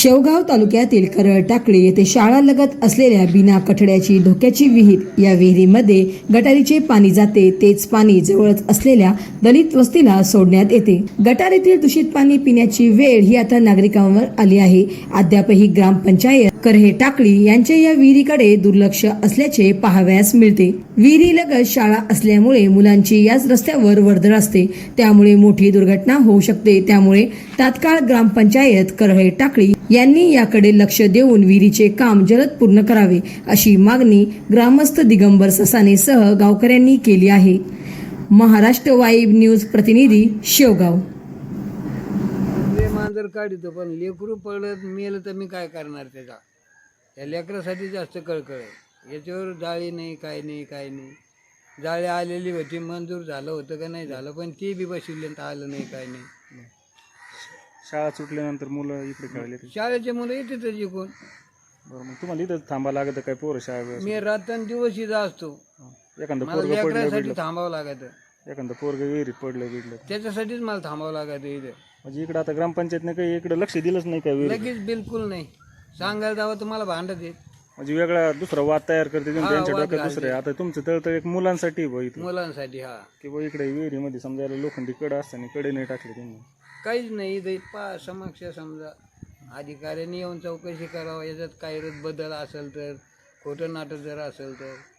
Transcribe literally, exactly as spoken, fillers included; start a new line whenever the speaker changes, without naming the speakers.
शेवगाव तालुक्यातील करळ टाकळी येथे शाळालगत असलेल्या बिना कठड्याची धोक्याची विहीर, या विहिरीमध्ये गटारीचे पाणी जाते. तेच पाणी जवळच असलेल्या दलित वस्तीला सोडण्यात येते. गटारीतील दूषित पाणी पिण्याची वेळ ही आता नागरिकांवर आली आहे. अद्यापही ग्रामपंचायत करहे टाकळी यांच्या या विहिरीकडे दुर्लक्ष असल्याचे पाहावयास मिळते. विहिरीलगत शाळा असल्यामुळे मुलांची याच रस्त्यावर वर्दळ असते, त्यामुळे मोठी दुर्घटना होऊ शकते. त्यामुळे तात्काळ ग्रामपंचायत करहे टाकळी यांनी याकडे लक्ष देऊन विहिरीचे काम जलद पूर्ण करावे, अशी मागणी ग्रामस्थ दिगंबर ससाने सह गावकऱ्यांनी केली आहे. महाराष्ट्र वाईब न्यूज प्रतिनिधी शेवगाव.
मांजर काढितो पण लेकरू पडत मेलं तर मी काय करणार त्याचा. त्या लेकरासाठी जास्त कळकळ आहे. याच्यावर जाळी नाही, काय नाही, काय नाही. जाळी आलेली होती, मंजूर झालं होतं का नाही झालं, पण ती बी बसविले तर आलं नाही, काय नाही.
शाळा सुटल्यानंतर मुलं इकडे खेळले.
शाळेचे मुलं येते तर जिकून.
बरं, मग तुम्हाला इथं थांबा लागत काय पोरं शाळा?
मी रात्रन दिवस इथं असतो.
एखादं
मला
पोरग पडलं
लेकरासाठी थांबावं लागतं.
एखादं पोरग विहिरीत पडलं बिडलं
त्याच्यासाठीच मला थांबावं लागतं इथं.
म्हणजे इकडं आता ग्रामपंचायतने काही इकडे लक्ष दिलंच नाही काय विहिरी?
लगेच बिलकुल नाही. सांगायला जावं तर मला भांडत येत.
म्हणजे वेगळा दुसरा वाद तयार करते
हा,
त्यांच्या
वाद
डोक्यात दुसरं आहे. आता तुमचं तळतळ एक मुलांसाठी बघ इथं
मुलांसाठी. हा,
की बघ इकडे विहिरीमध्ये समजायला लोखंडी कडं असताना कडे नाही टाकले त्यांनी.
काहीच नाही. इथे पा समक्ष समजा अधिकाऱ्यांनी येऊन चौकशी करावं. याच्यात काही बदल असेल तर, खोटं नाटक जर असेल तर